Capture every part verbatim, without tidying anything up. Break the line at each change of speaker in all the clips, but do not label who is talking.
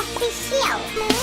Official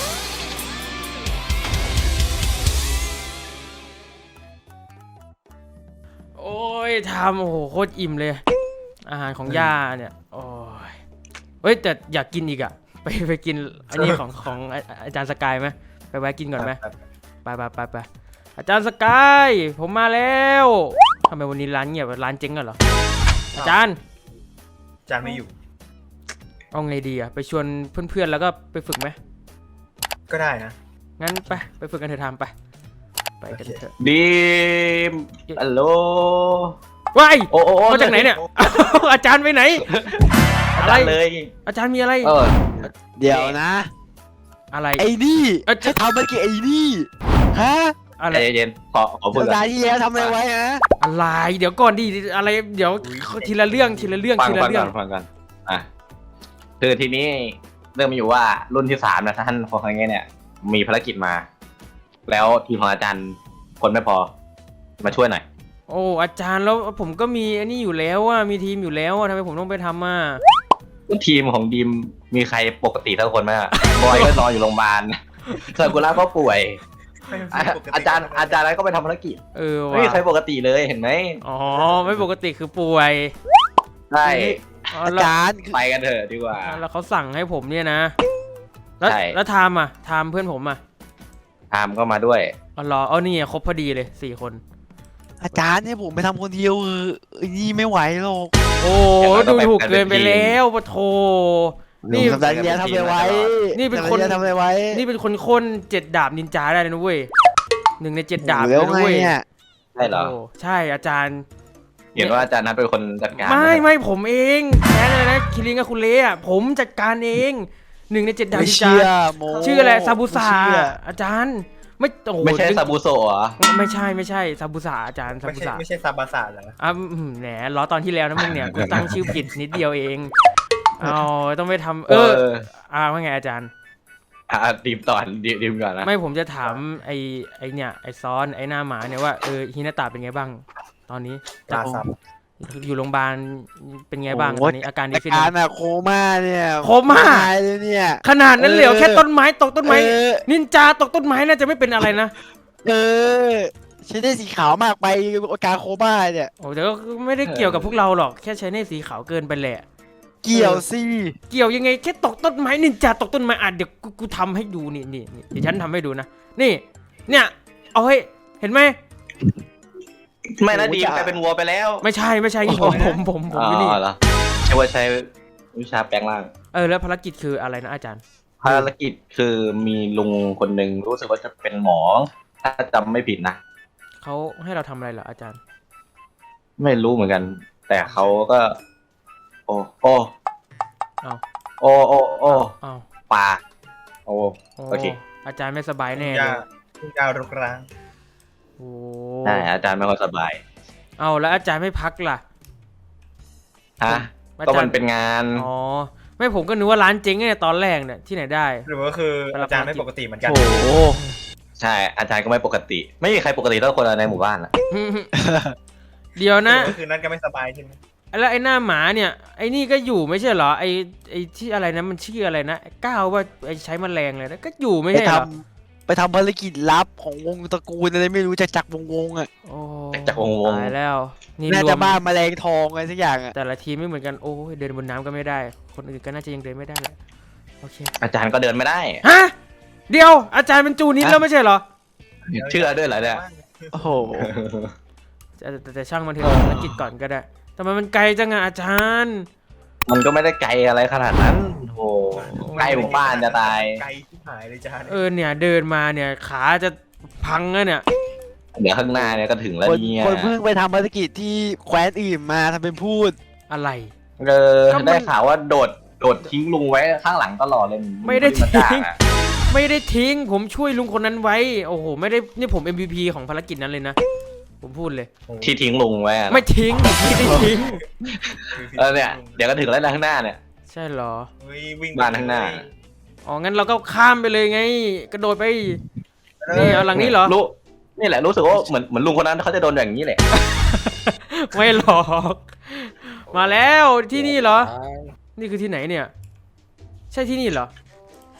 โอ้ยทำโอ้โหโคตรอิ่มเลย อาหารของย่าเนี่ยโอ้ยเฮ้ยแต่อยากกินอีกอะไปไปกินอันนี้ของของอาจารย์สกายไหมไปแวะกินก่อนไหมไปไปไปไปอาจารย์สกายผมมาแล้วทำไมวันนี้ร้านเงียบร้านเจ๊งกันเหรออาจารย์
อาจารย์ไม่อยู่
เอาไงดีอะไปชวนเพื่อนๆแล้วก็ไปฝึกไหม
ก็ได้นะ
งั้นไปไปฝึกกันเถอะทำไปไปกันเถอะ
ดีมฮัลโหล
ว้าย
โอ้โอ้
มาจากไหนเนี่ยอาจารย์ไปไหนอะไรเลยอาจารย์มีอะไร
เดี๋ยวนะ
อะไร
ไอ้นี่จะทำมันกี่ไอ้นี่ฮะ
อะไร
เย็นขอขอพูด
สัปดาห์ที่แล้วทำอะไรไว้ฮะ
อะไรเดี๋ยวก่อนดิอะไรเดี๋ยวทีละเรื่องทีละเรื่องทีละเรื่อง
ฟังกันอ่ะคือทีนี้เรื่องมีอยู่ว่ารุ่นที่สามนะท่านพอครั้งนี้เนี่ยมีภารกิจมา แล้วทีมของอาจารย์คนไม่พอมาช่วยหน่อย
โอ้อาจารย์แล้วผมก็มีอันนี้อยู่แล้วว่ามีทีมอยู่แล้วทำไมผมต้องไปทำอ่ะ
ทีมของดีมมีใครปกติทั้งคนไหมบอยก็นอนอยู่โรงพยาบาลซากุระก็ป่วยอาจารย์อาจารย์อะไรก็ไปทำภารกิจ
เออ
ไม่มีใครปกติเลยเห็นไหม
อ๋อไม่ปกติคือป่วย
ใช่
อาจารย์
ไปกันเถอะดีกว่า
แล้วเขาสั่งให้ผมเนี่ยนะแล้วแล้วทามอ่ะทามเพื่อนผมอ่ะ
ทามก็มาด้วย
อ๋อเหรอเอานี่ครบพอดีเลยสี่คน
อาจารย์เนี่ยผมไปทำคนเดียวเออนี่ไม่ไหวหรอก
โอ้ดูถูกเกินไปแล้วปะโถ
นี่สัปดาห์ที่แล้วทำอะไรไว้
นี่เป็นคน
ทำอะไรไว้
นี่เป็นคนคนเจ็ดดาบนินจาได้เลยนะเว้ยหนึ่งในเจ็ดดาบเลยนะเว้ย
ใช่เหรอ
ใช่อาจารย์
เห็นว่าอาจารย์นั้นเป็นคนจัดการ
ไม่ไม่ผมเองแค่นั้นนะคิริงกับคุณเล่อะผมจัดการเองหนึ่งในเจ็ดดาบนินจาชื่ออะไรซาบุสะอาจารย์ไม่โอ้
ไม่ใช่ซาบุโซะเหรอ
ไม่ใช่ไม่ใช่ซาบุสะอาจารย์ซาบุสะ
ไม่ใช่ซาบาสะเหรอ
อ่ะแหนล้อตอนที่แล้วนะมึงเนี่ยกูตั้งชื่อผิดนิดเดียวเองเอาต้องไปทำเอออ่าว่าไงอาจารย์
อ่าดีมตอนดีมก่อนนะ
ไม่ผมจะถามไอ้ไอ้เนี่ยไอ้ซ้อนไอ้หน้าหมาเนี่ยว่าเออฮินาตะเป็นไงบ้างตอนนี้
จาก
อยู่โรงพยาบาลเป็นไงบ้างตอนนี้อาการดีขึ้น
อาการอะโคม่าเนี่ย
โคม่า
เลยเนี่ย
ขนาดนั้นเหลวแค่ต้นไม้ตกต้นไม้นินจาตกต้นไม้น่าจะไม่เป็นอะไรนะ
เออใช้ได้สีขาวมากไปอาการโคม่าเนี่ย
โอ้แต่ก็ไม่ได้เกี่ยวกับพวกเราหรอกแค่ใช้ได้สีขาวเกินไปแหละ
เกี่ยวสิ
เกี่ยวยังไงแค่ตกต้นไม้นินจาตกต้นไม้อ่ะเดี๋ยวกูกูทำให้ดูนี่นี่เดี๋ยวฉันทำให้ดูนะนี่เนี่ยเอาให้เห็นไหม
ไม่นะดีมกลายเป็นวัวไปแล้ว
ไม่ใช่ไม่ใช่ผมผมผมผม
นี่เหรอใช่ว่าใช้วิชาแปลงร่าง
เออแล้วภารกิจคืออะไรนะอาจารย์
ภารกิจคือมีลุงคนหนึ่งรู้สึกว่าจะเป็นหมอถ้าจำไม่ผิดนะ
เขาให้เราทำอะไรเหรออาจารย์
ไม่รู้เหมือนกัน แต่เขาก็โอ้โอ้
เอา
โอ้โอ้โอ้
เอา
ปาโอ้โอเค
อาจารย์ไม่สบายแน่เลย
ยาวรุกร้าง
ใช่อาจารย์ไม่ค่อยสบาย
เอาแล้วอาจารย์ไม่พักล่ะ
ฮะก็มันเป็นงาน
อ๋อไม่ผมก็นึกว่าร้านเจ๊งเนี่ยตอนแรกเนี่ยที่ไหนได้
หรือว่าคืออาจารย์ไม่ปกติเหมือนกัน
โอ้ใช่อาจารย์ก็ไม่ปกติไม่มีใครปกติเท่าคนในหมู่บ้านอะ
เดี๋ยวนะ
คือนั่นก็ไม่สบายใช่ไหม
แล้วไอ้หน้าหมาเนี่ยไอ้นี่ก็อยู่ไม่ใช่เหรอไอ้ไอ้ที่อะไรนะมันชื่ออะไรนะก้าวว่าไอ้ใช้แมลงเลยนะก็อยู่ไม่ใช่เหรอ
ไปทำภารกิจลับของวงตระกูลอะไรไม่รู้จากจักรวงวงอ่ะ
จากวงวง
ตายแล้ว
นี่น่าจะบ้าแมลงทองอะไรสักอย่างอ่ะ
แต่ละทีมไม่เหมือนกันโอ้ยเดินบนน้ำก็ไม่ได้คนอื่นก็น่าจะยังเดินไม่ได้เลยโอเค
อาจารย์ก็เดินไม่ได้
ฮะเดี๋ยวอาจารย์เป็นจูนิดแล้วไม่ใช่เหรอ
เชื่อด้วยเหรอเนี่ย
โอ้โห
แต่ช่างมันเถอะภารกิจก่อนก็ได้แต่มันไกลจังอะอาจารย์
มันก็ไม่ได้ไกลอะไรขนาดนั้นโอ้ไกลหมู่บ้านจะตาย
ไกลที่หายเลยจ้า
เออเนี่ยเดินมาเนี่ยขาจะพังแล้วเนี่ย
เดี๋ยวข้างหน้าเนี่ยก็ถึงแล้วเนี่ย
คนเพิ่งไปทำภารกิจที่แคว้นอื่นมาทำเป็นพูด
อะไร
เออได้ข่าวว่าโดดโดดทิ้งลุงไว้ข้างหลังตลอดเลย
ไม่ได้ทิ้งไม่ได้ทิ้งผมช่วยลุงคนนั้นไว้โอ้โหไม่ได้นี่ผม เอ็ม วี พี ของภารกิจนั้นเลยนะผมพูดเลย
ที่ทิ้งลุงไว้
ไม่ทิ้งไม่ได้ทิ้ง
เออเนี่ยเดี๋ยวก็ถึงแล้วข้างหน้าเนี่ย
ใช่เหรอ
บ้านข้างหน้า
อ๋องั้นเราก็ข้ามไปเลยไงกระโดดไปนี่เอาหลังนี้เหรอ
รู้นี่แหละรู้สึกว่าเหมือนเหมือนลุงคนนั้นเขาจะโดนอย่างนี้แหละ
ไม่หรอกมาแล้วที่นี่เหรอนี่คือที่ไหนเนี่ยใช่ที่นี่เหรอ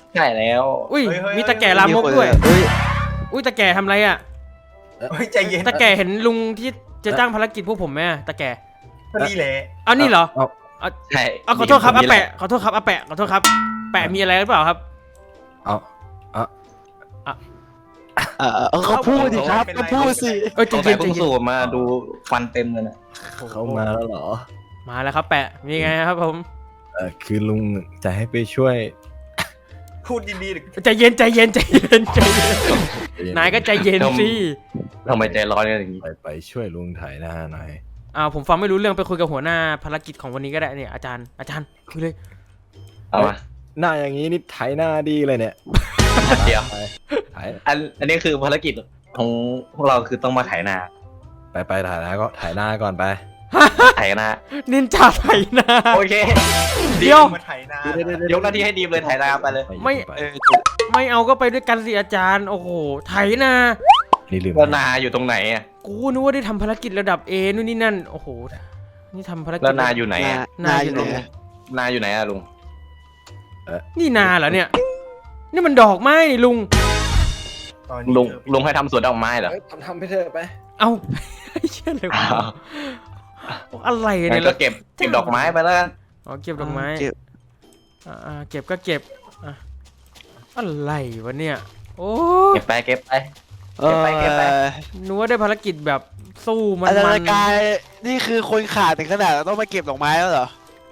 ใช่แล้ว
อุ้ยมีตะแก่ลามกด้วย
เฮ้ย
อุ้ยตะแก่ทำอะไรอ่ะ
เฮ้ยใจเย็น
ตะแก่เห็นลุงที่จะจ้างภารกิจพวกผมไหมอะตะแก่
ก็นี่แหละ
เอานี่เหรอ
เอา
ใช่
เอาขอโทษครับ
น
อา
นี้แหล
แปะขอโทษครับอาแปะขอโทษครับแปะมีอะไรหรือเปล่าครับ
เอาเอา
เออเออเขาพูดสิครับเขาพูดสิ
เอ้ย
ส
ใจ
งสั
เย็
ย
นใจ
เพิ่ง
เย็น
สูบมาดูฟันเต็มเลยนะ
เขามาแล้วเหรอ
มาแล้วครับแปะมีไงครับผม
เออคือลุงจะให้ไปช่วย
พูดดีๆหรือ
ใจเย็นใจเย็นใจเย็นใจเย็นนายก็ใจเย็นสิ
ทำไมใจร้อนกันอย่างนี้
ไปไปช่วยลุงถ่ายหน้าหน่อย
อ่าผมฟังไม่รู้เรื่องไปคุยกับหัวหน้าภารกิจของวันนี้ก็ได้เนี่ยอาจารย์อาจารย์คุยเลย
เอามา
หน้าอย่างนี้นี่ถ่ายหน้าดีเลยเนี่ย
เดี๋ยว
ไปถ่าย
อันอันนี้คือภารกิจของพวกเราคือต้องมาไถนา
ไปไปถ่ายหน้าก็ถ่ายหน้าก่อนไป
ไถนา
นินจาไถนา
โอเค
เดี๋ยว
มาไถนาย
กหน้าที่ให้ดีมเลยไถนาไปเลย
ไม่
ไป
เออ
ไม่เอาก็ไปด้วยกันสิอาจารย์โอ้โหไถนา
นี่ลืม
แล้วนาอยู่ตรงไหนอ่ะ
กูนึกว่าได้ทำภารกิจระดับเอนู่นนี่นั่นโอ้โหนี่ทำภารกิจ
แล้วนาอยู่ไหน
นา
อ่ะ
นาอยู่ไหน
นาอยู่ไหนอ่ะลุง
นี่นาเหรอเนี่ย นี่มันดอกไม้นี่ลุง
ตอนนี้
ลุง
เธอ
ลุงให้ทำสวนดอกไม้เหรอ
เอ้ยทำทำไปเถอะไป
เอ้า เชื่อเลยวะอะไร
งั้
เนี่ย
นก็เก็บเก็บดอกไม้ไปแล้วกัน
อ๋อเก็บดอกไม้
เก็บ
อ่าอ่าเก็บก็เก็บอ่ะอะไรวะเนี่ยโอ้
เก็บไปเก็บไป
เอ
เก็บไปเก็บไป
อ
นึกว่าได้ภารกิจแบบสู้มัน
อาจาร
มั
ย์
น
กายนี่คือคนขาดถึงขนาดต้องมาเก็บดอกไม้แล้วเหรอ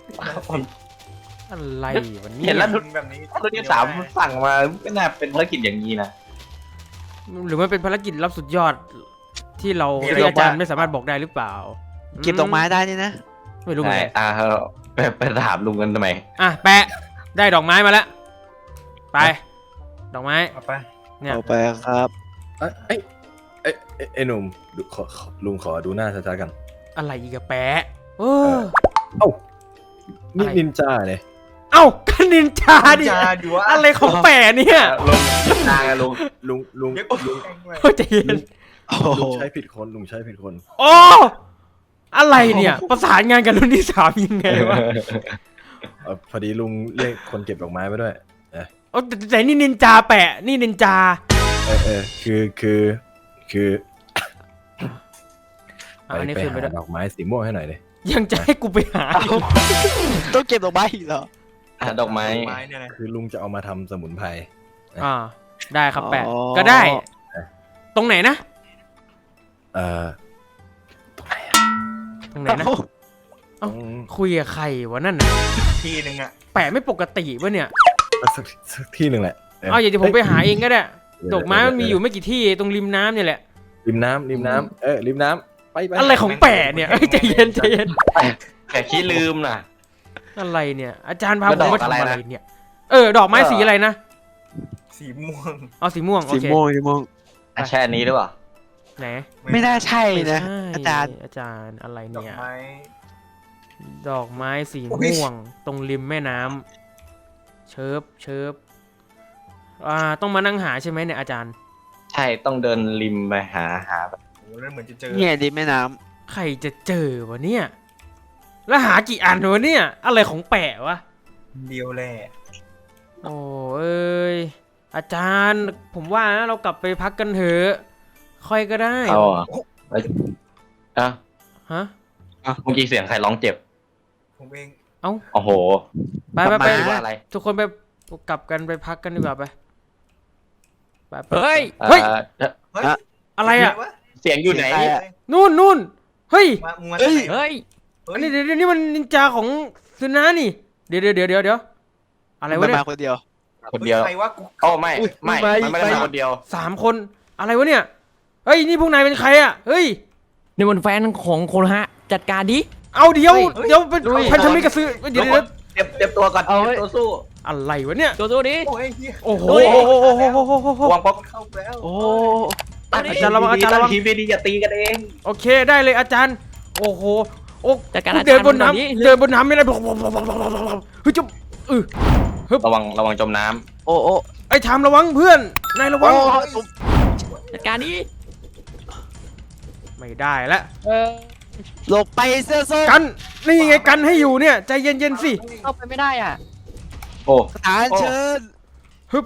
อะไรวะ
เห็
เนี่ย
นแล้ว
ลุงแบบนี้
รุ่นที่สามสั่งมาไม่น่าเป็นภารกิจอย่างนี้นะ
หรือมันเป็นภารกิจลับสุดยอดที่เราที่อาจารย์ไม่สามารถบอกได้หรือเปล่า
เก็บดอกไม้ได้นี่นะ
ไม่รู้เหมือ
ใช่
นกัน
อ่าไปไปถามลุงกันทำไม
อ่ะแปะได้ดอกไม้มาแล้วไป ดอกไม้
เอาไป
เนี่ย
เอาไปครับ
เอ้ยเอ้ยเอ้ยเอ้ยไอ้หนุ่มดูขอขอลุงขอดูหน้าชัดๆกัน
อะไรอีกอะแปะเออ
เอ้านี่
อะไร
นินจาเลย
เอ้าก็นินจาดิ
จาดูว่า
อะไรของแปะเนี่ย
ลุงนางอะลุง
ลุงลุง
เดี๋ยว
ลุง
แกล้งด้วย
เข้าใจเย็น
โอ้
ลุง
โห
ใช้ผิดคนลุงใช้ผิดคน
โอ้อะไรเนี่ย ประสานงานกับรุ่นที่สามยังไงวะ
เอ่อพอดีลุงเรียกคนเก็บดอกไม้มาด้วย
โอ้แต่แต่นี่นินจาแปะนี่นินจา
เออเออคือคือคือ
อ่ะอันนี้
ไป
คือไป
หา
ด้วย
ดอกไม้สีม่วงให้หน่อยเลย
ยังจะให้กูไปหา
เอ้าต้องเก็บดอกไม้อีกเหรอ
อ่ะดอกไม้
ไม้เนี่ยนะ
คือลุงจะเอามาทำสมุนไพร
อ่าได้ครับแปะ
อ๋อ
ก็ได้ ตรงไหนนะ
เอ่อ
ตรงไหนนะ
ตรง
คุยกับใครวะนั่นน่ะ
ทีหนึ่งอ่ะ
แปะไม่ปกติวะเนี่ย
สักสักที่หนึ่งแหละ
เอาอย่างที่ผมไปหาเองก็ได้
เดี๋ยว
ดอกไม้มันมีอยู่
เดี๋ว
ไม่กี่ที่ตรงริมน้ำเนี่ยแหละ
ริมน้ำริมน้ำเออริมน้ำไปไป
อะไรของแปะเนี่ยเอ้ยใจเย็นใจเย็น
แค่ขี้ลืมน่ะ
อะไรเนี่ย อาจารย์พา
แล้
ผ
ว
ม
ดอก
มาทำ
อะไร
อะไร
นะ
เนี่ย เออ ดอกไม้สีอะไรนะ
สีม่วง
เอาสีม่วงโอ
สี
เค
ม่วงสีม่วง
อ่ะแช่อันนี้หรือเปล่า
ไหน
ไม่น่าใช่
ไม่
นะ
ใช่
อาจารย์
อาจารย์อะไร
ดอก
เนี่ย
ไม้
ดอกไม้สี
อุ๊ย
ม่วง ตรงริมแม่น้ำเชิบเชิบอ่าต้องมานั่งหาใช่ไหมเนี่ยอาจารย์
ใช่ต้องเดินริมไปหาหาแบบ
โอ้แล้วเหมือนจะเจอ
เนี่ยดินแม่น้
ใครจะเจอวะเนี่ย แล้วหากี่อันวะเนี่ย อะไรของแปะวะ
เดียวแหละ
โอ้เอ้ยอาจารย์ผมว่านะเรากลับไปพักกันเถอะค่อยก็ได้
เอาอ่ะเอ้ยอ่ะ
ฮะ
เมื่อกี้เสียงใครร้องเจ็บ
ผมเอง
เอ้า
โอ้โห
ไปไปไป
หรือว่าอะไร
ทุกคนไปกลับกันไปพักกันดีกว่าไปไปไป
ำเฮ้ย
เฮ้ย
เอ่อ
เฮ้ย
อะ
อะไรอ่ะ
เดี๋ยวว
เสียงอยู่ไหน
เสียงใครอะ
นู่นนู่นเฮ้ย
มามึงมา
เอ้ย
จากไหน
เฮ้ย
เฮ้
อั
ย
นนี้เดี๋ยวเดี๋ยวนี่มันนินจาของซึนานี่ เดี๋ยวเดี๋ยวเดี๋ยวเดี๋ยวเดี๋ยวอะไรวะ
มัน
เนี่
มาย คนเดียว
คนเดียว
ฮ้ใครวะกู
โอ้ไม่
อุ๊ย
ไม่
ไป
มันไม่ได้
ไป
มาคนเดียว
สามคนอะไรวะเนี่ยเฮ้ยนี่พวกนายเป็นใครอ่ะเฮ้ย
นี่มันแฟนของโคโนฮะ จัดการดิ
เอาเดี๋ยว
เฮ้ย
เดี๋ยวเป็น
ลุย
พันธมิตรกับซื้อเดี๋ยวเดี๋ยว
เตรียมเตรียมตัวก่อน
เอา
เตรียมตัวสู้
อะไรวะเนี่ย
ตัวตัวดิ
โอ้ยเฮีย
โอ้โห
ลุย
โอ้โหโอ้โหโอ้โหโอ้โห
วางป๊อป
เข้าแล้ว
โอ้
เอาดิ
อาจารย์ระวังอาจารย์ระวัง
ทีมดีๆอย่าตีกันเอง
โอเคได้เลยอาจารย์ โอ้โหโอ้
จัดการ
เดินบน
อาจารย์แบบนี้
น้ำเดินบนน้ำไม่ได้เฮ้ยจุ๊บเออ
ระวังระวังจมน้
โอ้โอ้
ไอ้ทามระวังเพื่อนนายระวัง
จัดการดิ
ไม่ได้แล้ว
เออ
หลบไปเสื้อส้ม
กันนี่ไงกันให้อยู่เนี่ยใจเย็นๆสิ
เข้าไปไม่ได้อ่ะ
ำโอ้
สถานเชิญ
ฮึ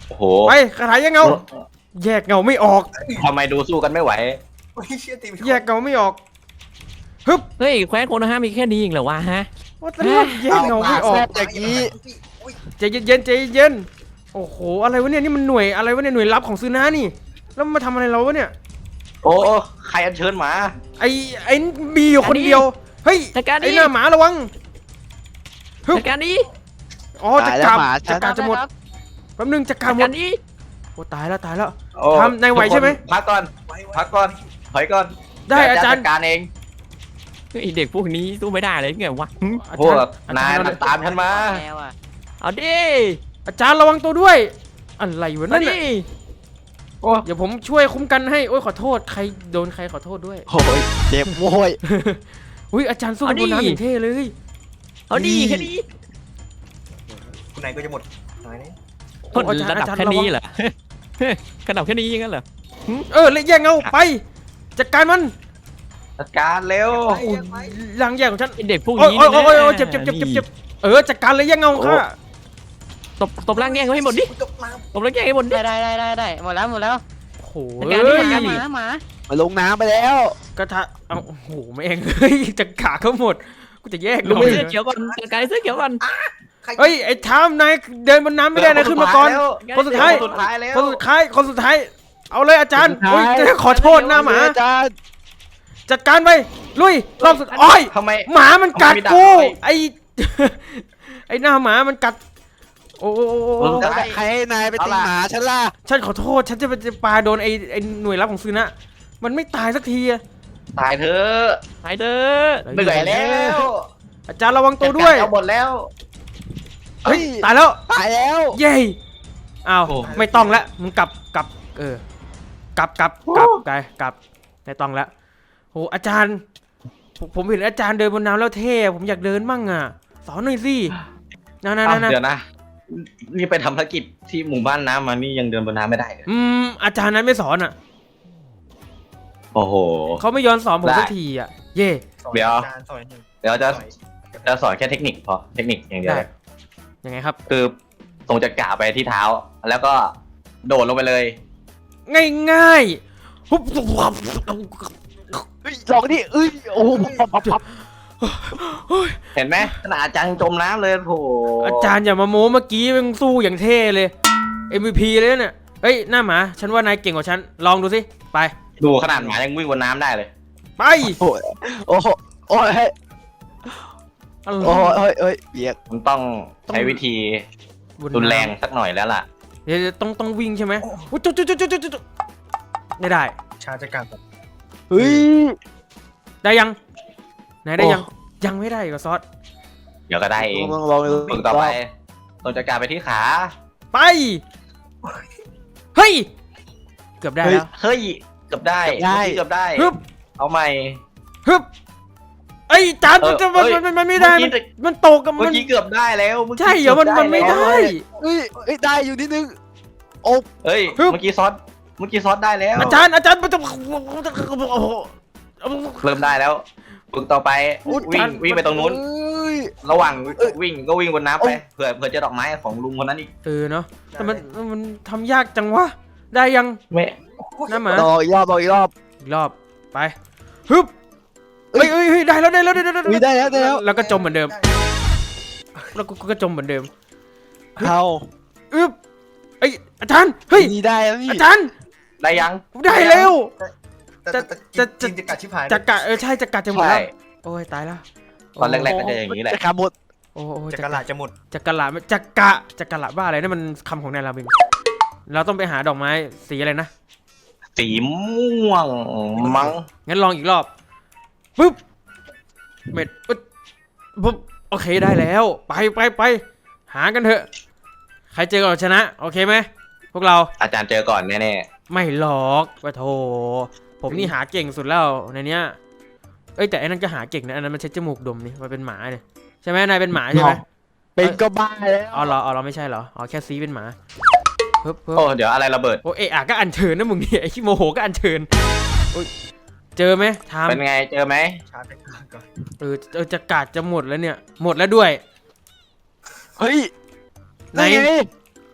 โอ้โห
ไปคาถาแยกเงา แยกเงาไม่ออก
ทำไมดูสู้กันไม่ไหว
โอ้ยเชี่ยตีไม่
แยกเงาไม่ออกฮึบ
เฮ้ยแคว้นโคโนฮะมีแค่นี้เองเหรอวะฮะ
ว่าแต่ว่าแยกเงาไม่ออก
อย่างนี้
ใจเย็นๆใจเย็นโอ้โหอะไรวะเนี่ยนี่มันหน่วยอะไรวะเนี่ยหน่วยลับของซูนานี่แล้วมันมาทำอะไรเราวะเนี่ย
โอ้ใครอัญเชิญหมา
ไอ้ไอ้มีอยู่คนเดียวเฮ้ย
จัดการดิ
ไอ้หน้าหมาระวัง
จัดการดิ
อ๋อจะ
ตาย
ก
แล้
ลั
ว
บ
หมาฉั
จะ
น
กลับจะหมดแป๊บนึงจะกลั
จั
บ
ด
หม
กา
ด
รดิ
โอ้ตายแล้วตายแล้ว
โอ้
ทำนายไหวใช่ไหม
พักก่อน
ไว้ไว้
พักก่อนถอยก่อน
ได้อาจารย์
จัดการเอง
ไอเด็กพวกนี้สู้ไม่ได้เลยไงวะหึ
อา
พว
จาร
ก
ย์อา
นา
จาย รย์
ตามฉันมา
แล้วอ่ะ
เอาดิ
อาจารย์ระวังตัวด้วยอะไรวะ
เอา
นั่น
ดิ
น่ะเดี๋ยวผมช่วยคุ้มกันให้โอ้ยขอโทษใครโดนใครขอโทษด้วย
โอ้ยเจ็บโว้ย
อุ้ยอาจารย์สู้บนน้ำอย่างเท่เลย
เอาดิแค่นี้
คุณนายก็จะหมดหายนี่
คนระดับแค่นี้เหรอ ระดับแค่นี้ยังงั้นเหรอ
เออเลยแย่งเงาไปจัดการมัน
จัดการเร็ว
โอ้ยหลังแย่งของฉัน
ไอเด็กพวก
โอ้ย
นี้
โอ้ย
นะ
โอ้ยโอ้ยเจ็บเจ็บเจ็บเจ็บเจ็บเออจัดการเลยแย่งเงาของข้า
ตบตบร่างแย่งเขาให้หมดดิ
ตกน้
ตบร่างแย่งให้หมดดิ
ได้ได้ได้ได้ได้หมดแล้วหมดแล้ว
โอ้โห
จัดการดิจัดการ
ห
ดิ
มาหมา
มาลงน้ำไปแล้ว
กระทะเอาโอ้โหแม่งเฮ้ยจะขาเขาหมดกูจะแยก
ลง
หน่อย
เสื้อเขียวก่อนจัดการไอ้เสื้อเขียวก่อน
ำ
เฮ้ยไอ้ทามนายเดินบนน้ำไม่ได้นะขึ้นมาก่อน คนสุดท้าย
คนสุดท้ายแล้ว
คนสุดท้ายคนสุดท้ายเอาเลยอาจารย์โอ้ยจะขอโทษหน้าหมา
อาจารย์
จัดการไปลุยรอบสุดโอ้ย
ทำไม
หมามันกัด
ทำไมไม่ดัก
กู
ไว้
ไอ ไอหน้าหมามันกัดโอ้โอ้โอ้โอ้
แล้วใครให้นายไปตีหมาฉันล่ะ
ฉันขอโทษฉันจะไปจะปาโดนไอไอหน่วยรับของซูนะมันไม่ตายสักทีอะ
ตายเถอะ
ไปเด้อ
เหนื่อยแล้ว
อาจารย์ระวังตัวด้วย
เอาหมดแล้ว
เฮ้ยตายแล้ว
ตายแล้ว
เย้อ้าว
โอ้
ไม่ต้องแล้วมึงกลับกลับเออกลับกลับกลับกลับกลับไม่ต้องแล้วโหอาจารย์ผมผมเห็นอาจารย์เดินบนน้ำแล้วเท่ผมอยากเดินมั่งอ่ะสอนหน่อยสินะนะ
อ้าว
นะ
เดี๋ยวนะ นี่ไปทำภารกิจที่หมู่บ้านน้ำมานี่ยังเดินบนน้ำไม่ได้เลย
อืมอาจารย์นั้นไม่สอนอ่ะ
โอ้โห
เขาไม่ย้อนสอนผม
ได้
สักทีอ่ะเย่
สอน
เดี๋ยว
อาจารย์สอนหนึ่ง
เดี๋ยวจะจะสอนแค่เทคนิคพอ เทคนิคอย่างเดียว
ได้
เลย
ยังไงครับ
คือส่งจักราไปที่เท้า แล้วก็โดดลงไปเลย
ง่ายง่ายๆปุ๊บ
เฮ้ยลองดิเอ้ยโอ้โหปับปับปับ
เห็นไหมขนาดอาจารย์ยังจมน้ำเลยโถ
อาจารย์อย่ามาโม้เมื่อกี้มึงสู้อย่างเท่เลย เอ็ม วี พี เลยเนี่ยเฮ้ยหน้าหมาฉันว่านายเก่งกว่าฉันลองดูสิไป
ดูขนาดหมายังวิ่งบนน้ำได้เลย
ไป
โอ้ยโอ้โหโอ้ยเฮ้ย
อะไร
โอ้ยเฮ้ยเฮ้ยเบียก
มันต้องใช้วิธี
บน
รุนแรง
น้ำ
สักหน่อยแล้วล่ะ
เดี๋ยวต้องต้องวิ่งใช่ไหมอุ๊ยจุ๊ดจุ๊ดจุ๊ดจุ๊ดจุ๊ดไม่ได้
ชาจัดการแบบ
เฮ้ย
ได้ยังไหนได้
โอ้
ยังยังไม่ได้อีก็ซอส
เดี๋ยวก็ได้เอง
ลองลองดู
ฝึกต่อไปส่งจักราไปที่ขา
ไปเฮ้ยเกือบได้แล้ว
เฮ้ย เกือบได้เมื่อกี้เกือบได้
ฮึบ
เอาใหม่
ฮึบไอ้ยจาน
เอ
มัน
อ
จะมัน
เอ้ย
มันมันไม่ได้
เมื่
มัน
อกี้
มันตกกับ
เมื่
มั
อน กี้เกือบได้แล้วเมื่อกี้
ใช่เหรอมันมันไม่ได้
เฮ้ยเฮ้ยได้อยู่นิดนึง
เฮ้ย
ฮึบ
เมื่อกี้ซอสเมื่อกี้ซอสได้แล้ว
อาจารย์อาจารย์มันจะโอ้โห
เริ่มได้แล้วฝึกต่อไป
โอ้
วิ่
จาง น
วิ่งไปตรงนู้น
เอ้ย
ระหว่าง
เอ้ย
วิ่งก็วิ่งบนน้ำ
โอ้
ไปเผื่อเผื่อเจอดอกไม้ของลุงคนนั้นอีก
เออเนาะแต่มันมันทำยากจังวะได้ยัง
ไม่
หน้าหมา
ลองอีกรอบลองอีกรอบ
อีกรอบไปฮึบเฮ้ยเฮ้ยเฮ้ยได้แล้วได้แล้วได้แล้ว
อุ้ยได้แล้วได้แล้ว
แล้วก็จมเหมือนเดิมแล้วก็ก็จมเหมือนเดิม
เอา
อึบไอยอาจารย์เฮ้ย
นี่ได้แล้วนี่
อาจารย์
ได้ยัง
ได้แล้ว
แต่แต่
จะ
จริงๆจะกัดชิบหาย
จักระเออใช่จักระจะหมด
ใช่
แล้วโอ้ยตายแล้ว
ตอนแรกๆก็จะอย่างนี้แหละ
จะขาหมด
โอ้โอ้
จะ
จั
ก
ก
ระ
ระ
ลาจะหมด
จักระจักระจักระบ้าอะไรนั่นมันคำของนายราบินเราต้องไปหาดอกไม้สีอะไรนะ
สีม่วงมั้ง
งั้นลองอีกรอบปึ๊บเม็ดปึ๊บปึ๊บโอเคได้แล้วไปไปไปหากันเถอะใครเจอก่อนชนะโอเคไหมพวกเรา
อาจารย์เจอก่อนแน่
ไม่หลอกว่าโธ่ผมนี่หาเก่งสุดแล้วในเนี้ยเอ้ยแต่ไอ้นั่นก็หาเก่งนะอันนั้นมันใช้จมูกดมนี่มันเป็นหมาเนี่ยใช่ไหมนายเป็นหมาใช่ไหม
เป็นก็บ้าแล้ว
อ๋อเหรออ๋อเราไม่ใช่เหรออ๋อแค่ซีเป็นหมาเพิ่ม
ๆ
เพิ่ม
โอ้เดี๋ยวอะไรระเบิด
โอ้เอะอะก็อัญเชิญนะมึงเนี่ยไอ้ขี้โมโหก็อัญเชิญโอ้ยเจอไหมทาม
เป็นไงเจอไหม
ชาจัดการก่อน
เออเออจะกาดจะหมดแล้วเนี่ยหมดแล้วด้วย
เฮ้ย
ไหน
ไง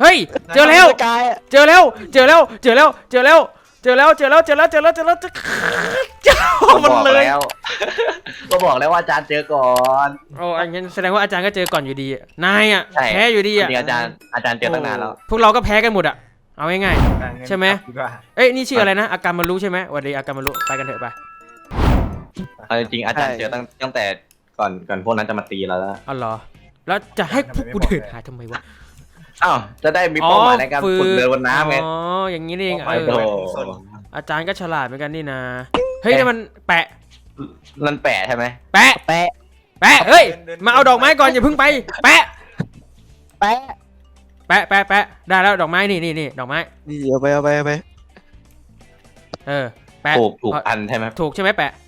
เฮ้ยเจอแล้ว
สกายอะ
เจอแล้วเจอแล้วเจอแล้วเจอแล้วเจอแล้วเจอแล้วเจอแล้วเจอแล้วเจอแล้วเจอเจอ
ก็
มัน
บอก
เลย
แล้ว ก็บอกแล้วว่าอาจารย์เจอก่อน
โอ้อันนั้นแสดงว่าอาจารย์ก็เจอก่อนอยู่ดีอะนายอ่ะ
ใช่
แพ้อยู่ดี
จ
อ่ะ
ริงๆอาจารย์อาจารย์เจอตั้งนานแล้ว
พวกเราก็แพ้กันหมดอ่ะเอาง่าย
อ่ะงั้น
ใช่ไหม
กลับดีกว่า
ๆเอ้ยนี่ชื่ออะไรนะอาการมารู้ใช่ไหมสวันดีอาการมารู้ไปกันเถอะไป
เอาจริงๆอาจารย์เจอตั้งตั้งแต่ก่อนก่อนพวกนั้นจะมาตีเราแล้ว
อ๋อเหรอแล้วจะให้พวกกูเดินหาทำไมวะ
อ้าวจะได้มีเป้าหมายในการฝึกเดินบนน้ำไง
อ๋ออย่างนี้นี่เอง
ไป
เอ
โอ้
อ
โห
อาจารย์ก็ฉลาดเหมือนกันนี่นะเฮ้ยนี่มันแปะ
นั่นแปะใช่ไหม
แปะ
แปะ
แปะเฮ้ยมาเอาดอกไม้ก่อนอย่าเพิ่งไปแปะ
แปะ
แปะแปะแปะได้แล้วดอกไม้นี่นี่นี่ดอกไม้
นี่เอาไปเอาไปเอาไป
เออแปะ
ถูกถูกอันใช่ไหม
ถูกใช่ไหมแปะ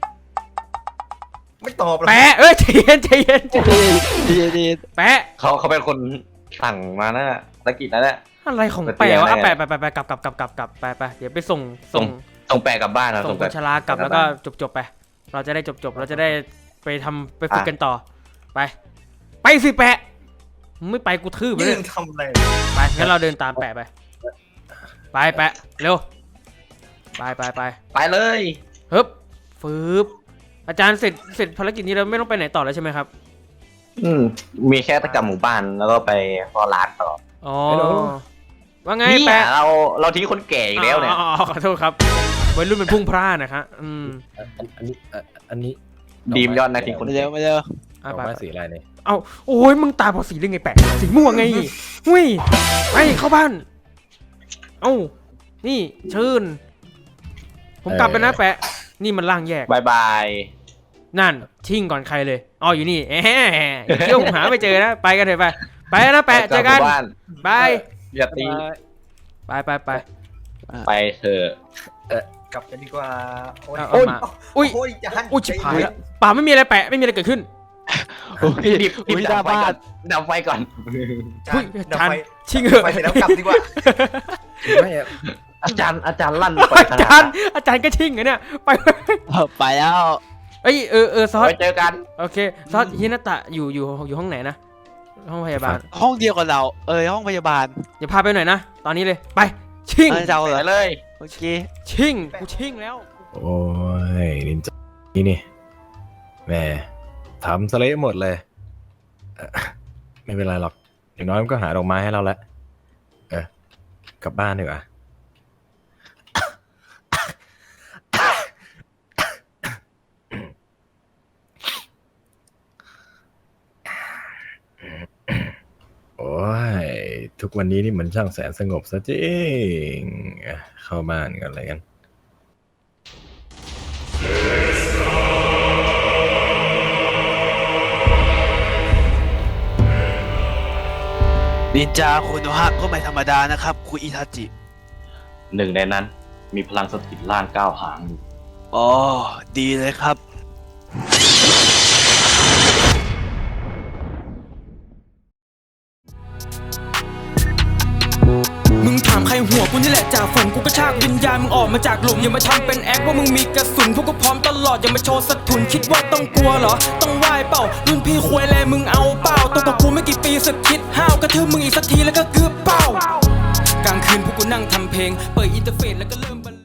ไม่ตอบหรอก
แปะเอ้ยใจเย็นใจเย็นใจเย็น
ดีดี
แปะ
เขาเขาเป็นคนสั่งมานะภารกิจนั้นแหละ
อะไรของ
ไป
แปะวะ
เตียง
อ่ะ
ได้
แปะแปะแปะแปะกลับกลับกลับกลับกลับไปไปเดี๋ยวไปส่ง
ส่
ส่
ง
ง
ส่งแปะกลับบ้านนะ
ส่
ส่
ง
ง
ค
แปะ
นชรากลับแล้วก็จบจบไป เราจะได้จบจบเราจะได้ไปทำไปฝึกกันต่อไปไปสิแปะมึงไม่ไปกูทืบเล
ยื
ย
นทำอะไร
ไปงั้นเราเดินตามแปะไปไปแปะเร็วไปไปไป
ไปเลย
ฮึบฟืบอาจารย์เสร็จเสร็จภารกิจนี้เราไม่ต้องไปไหนต่อแล้วใช่ไหมครับ
อืมมีแค่ตะกรรมหมู่บ้านแล้วก็ไปฟอร้านต่อ
อ๋อว่าไง
เนี่ย
แปะ
เราเราทิ้งคนแก่อีกแล้วเนี่ย
อ๋ออ๋อขอโทษครับวัยรุ่นเป็นพุ่งพลาดนะครับอืม
อันอันนี้อ่ะอันนี้
ดีมยอดนะทิ้งคน
มา
แก่
เร็วมาเร็ว
ด
อ่ะ
อก
ไป
ไม้
ไป
สีอะไรเนี่ย
เอาโอ้ยมึงตาบอดสีได้ไงแปะสีม่วงไงหุ้ยไปเข้าบ้าน เอ้านี่เชิญผมกลับไปนะแปะ นี่มันล่างแยก
บายบาย
นั่นชิ่งก่อนใครเลยอ๋ออยู่นี่แหมอย่าเที่ยวผมหาไม่เจอนะไปกันเถอะไปไปนะแปะเจอกัน
หมู่บ้าน
ไป
อย่าตี
ไปไปไป
ไปเถอะ
กลับกันดีกว่าโอ้ย
เอาเอามาอุ้ย
โอ้ยจาน
อุ้ยชิบหายแล้วป่าไม่มีอะไรแปะไม่มีอะไรเกิดขึ้น
โอ้ย
รีบรีบ
อุ้ย
ดับไฟ
หน้า
ก่อ
บ้าน น
ดับไฟก่อน
จา
อุ้ย
นดับ
จาน
ไฟ
ชิ่งเหอะ
ไฟเสร็จแล้วกลับดีกว่า
ไม่อะ
อาจารย์อาจารย์ลั่นไป
อาจารย์อาจารย์ก็ชิ่งเหรอเนี่ยไป
เอาไปแล้ว
เอ้ยเออเออซอส
ไว้เจอกัน
โอเคซอสฮินาตะอยู่อยู่อยู่ห้องไหนนะห้องพยาบาล
ห้องเดียวกับเราเออห้องพยาบาล
อย่าพาไปหน่อยนะตอนนี้เลยไปชิ่ง
เออจะเอาเหร
ไป
อ
เลย
โอเค
ชิ่งกูชิ่งแล้ว
โอ้ยนินจานี่นี่แหม่ทำสเละหมดเลยเอ่อไม่เป็นไรหรอกอย่างน้อยมันก็หาดอกไม้ให้เราแล้วเออกลับบ้านดีกว่า โอ้ยทุกวันนี้นี่เหมือนช่างแสนสงบซะจริงอ่ะเข้าบ้านกันเลยกัน
นินจาโคโนฮะก็ไม่ธรรมดานะครับคุณอิทาจิ
หนึ่งในนั้น มีพลังสถิตล่างเก้าหางอยู่
อ๋อดีเลยครับ
มึงถามใครหัวกูนี่แหละจากฝนกูก็ชากวิญญาณมึงออกมาจากหลุมอย่ามาทำเป็นแอคว่ามึงมีกระสุนพวกกูพร้อมตลอดอย่ามาโชว์สะทุนคิดว่าต้องกลัวเหรอต้องไหวเปล่ารุ่นพี่ควยแลมึงเอาเปล่าตัวกับกูไม่กี่ปีสึกคิดห้าวกระทืบมึงอีกสักทีแล้วก็เกือบเป้ากลางคืนพวกกูนั่งทำเพลงเปิดอินเทอร์เฟซแล้วก็เริ่ม